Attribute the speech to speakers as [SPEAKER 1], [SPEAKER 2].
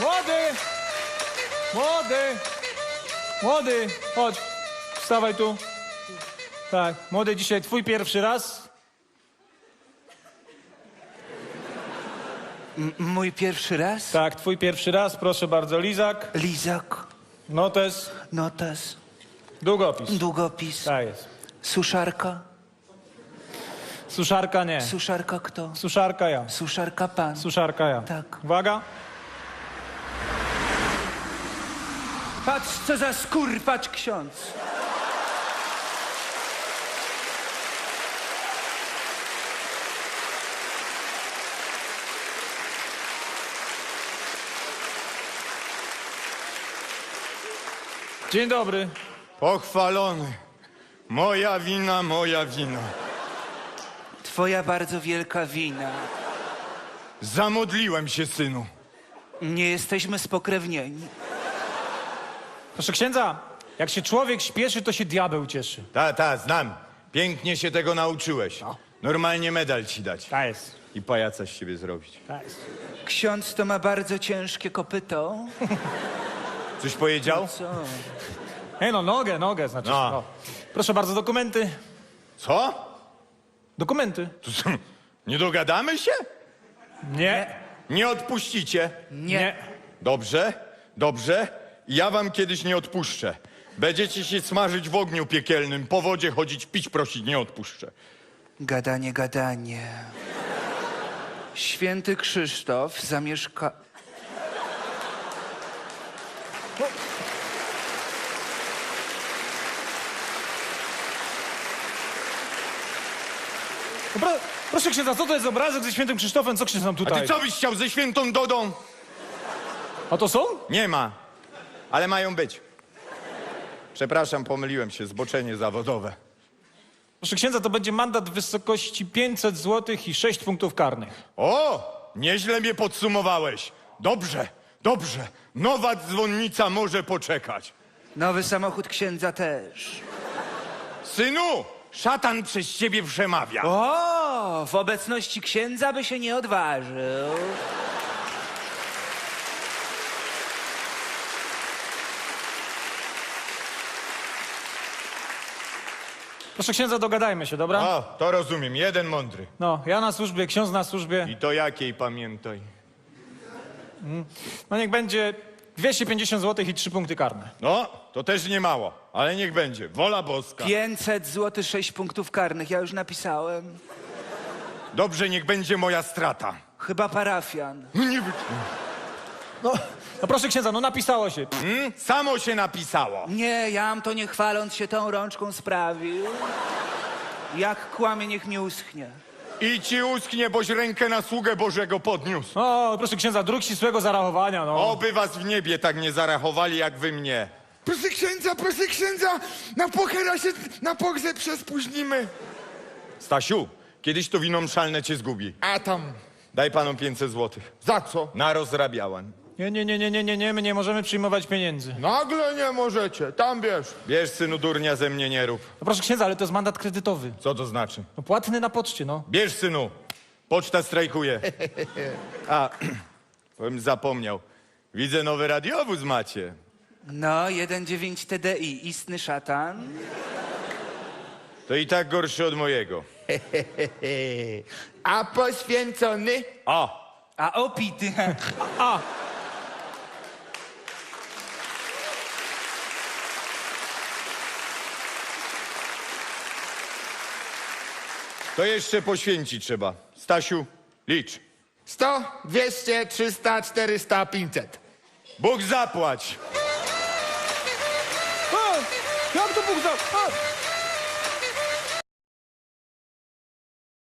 [SPEAKER 1] Młody! Młody! Młody! Chodź. Wstawaj tu. Tak. Młody, dzisiaj twój pierwszy raz.
[SPEAKER 2] Mój pierwszy raz?
[SPEAKER 1] Tak, twój pierwszy raz. Proszę bardzo. Lizak.
[SPEAKER 2] Lizak,
[SPEAKER 1] Notes.
[SPEAKER 2] notes,
[SPEAKER 1] Długopis.
[SPEAKER 2] długopis,
[SPEAKER 1] Tak jest.
[SPEAKER 2] suszarka.
[SPEAKER 1] Suszarka nie.
[SPEAKER 2] Suszarka kto?
[SPEAKER 1] Suszarka ja.
[SPEAKER 2] Suszarka pan.
[SPEAKER 1] Suszarka ja.
[SPEAKER 2] Tak.
[SPEAKER 1] Uwaga.
[SPEAKER 2] Patrz, co za skurpacz ksiądz.
[SPEAKER 1] Dzień dobry.
[SPEAKER 3] Pochwalony. Moja wina, moja wina.
[SPEAKER 2] Twoja bardzo wielka wina.
[SPEAKER 3] Zamodliłem się, synu.
[SPEAKER 2] Nie jesteśmy spokrewnieni.
[SPEAKER 1] Proszę księdza, jak się człowiek śpieszy, to się diabeł cieszy.
[SPEAKER 3] Ta, znam. Pięknie się tego nauczyłeś. Normalnie medal ci dać.
[SPEAKER 1] Tak jest.
[SPEAKER 3] I pajaca z siebie zrobić.
[SPEAKER 1] Tak jest.
[SPEAKER 2] Ksiądz to ma bardzo ciężkie kopyto.
[SPEAKER 3] Coś powiedział?
[SPEAKER 2] Co?
[SPEAKER 1] Ej, no nogę znaczy.
[SPEAKER 3] No.
[SPEAKER 1] No. Proszę bardzo, dokumenty.
[SPEAKER 3] Co?
[SPEAKER 1] Dokumenty.
[SPEAKER 3] To co, nie dogadamy się?
[SPEAKER 1] Nie.
[SPEAKER 3] Nie odpuścicie?
[SPEAKER 1] Nie.
[SPEAKER 3] Dobrze, dobrze. Ja wam kiedyś nie odpuszczę. Będziecie się smażyć w ogniu piekielnym, po wodzie chodzić, pić prosić, nie odpuszczę.
[SPEAKER 2] Gadanie, gadanie. Święty Krzysztof zamieszka...
[SPEAKER 1] No proszę księdza, co to jest obrazek ze świętym Krzysztofem? Co ksiądz nam
[SPEAKER 3] A
[SPEAKER 1] tutaj?
[SPEAKER 3] ty co byś chciał ze świętą Dodą?
[SPEAKER 1] A to są?
[SPEAKER 3] Nie ma, ale mają być. Przepraszam, pomyliłem się, zboczenie zawodowe.
[SPEAKER 1] Proszę księdza, to będzie mandat w wysokości 500 zł i 6 punktów karnych.
[SPEAKER 3] O, nieźle mnie podsumowałeś. Dobrze, dobrze. Nowa dzwonnica może poczekać.
[SPEAKER 2] Nowy samochód księdza też.
[SPEAKER 3] Synu, szatan przez ciebie przemawia.
[SPEAKER 2] O, w obecności księdza by się nie odważył.
[SPEAKER 1] Proszę księdza, dogadajmy się, dobra?
[SPEAKER 3] O, to rozumiem, jeden mądry.
[SPEAKER 1] No, ja na służbie, ksiądz na służbie.
[SPEAKER 3] I to jakiej pamiętaj.
[SPEAKER 1] No niech będzie 250 zł i 3 punkty karne.
[SPEAKER 3] No, to też nie mało, ale niech będzie. Wola boska.
[SPEAKER 2] 500 zł, 6 punktów karnych. Ja już napisałem.
[SPEAKER 3] Dobrze, niech będzie moja strata.
[SPEAKER 2] Chyba parafian.
[SPEAKER 3] No nie wy...
[SPEAKER 1] No proszę księdza, no napisało się.
[SPEAKER 3] Samo się napisało.
[SPEAKER 2] Nie, jam to nie chwaląc się tą rączką sprawił. Jak kłamie, niech mi uschnie.
[SPEAKER 3] I ci usknie, boś rękę na sługę Bożego podniósł.
[SPEAKER 1] O, proszę księdza, dróg ścisłego zarachowania, no.
[SPEAKER 3] Oby was w niebie tak nie zarachowali, jak wy mnie.
[SPEAKER 4] Proszę księdza, na pochera się na pogrzeb się spóźnimy.
[SPEAKER 3] Stasiu, kiedyś to wino mszalne cię zgubi.
[SPEAKER 4] A tam,
[SPEAKER 3] Daj panom 500 złotych.
[SPEAKER 4] za co?
[SPEAKER 3] Na rozrabiałan.
[SPEAKER 1] Nie, my nie możemy przyjmować pieniędzy.
[SPEAKER 4] Nagle nie możecie, tam bierz.
[SPEAKER 3] Bierz, synu, durnia ze mnie nie rób.
[SPEAKER 1] No proszę księdza, ale to jest mandat kredytowy.
[SPEAKER 3] Co to znaczy?
[SPEAKER 1] No płatny na poczcie, no.
[SPEAKER 3] Bierz, synu. Poczta strajkuje. A, bym zapomniał. Widzę, nowy radiowóz macie.
[SPEAKER 2] No, 1,9 TDI, istny szatan.
[SPEAKER 3] To i tak gorszy od mojego.
[SPEAKER 4] A poświęcony?
[SPEAKER 3] O,
[SPEAKER 2] A opity.
[SPEAKER 1] A,
[SPEAKER 3] to jeszcze poświęcić trzeba. Stasiu, licz.
[SPEAKER 4] 100, 200, 300, 400, 500.
[SPEAKER 3] Bóg zapłać.
[SPEAKER 1] o, jak to Bóg za...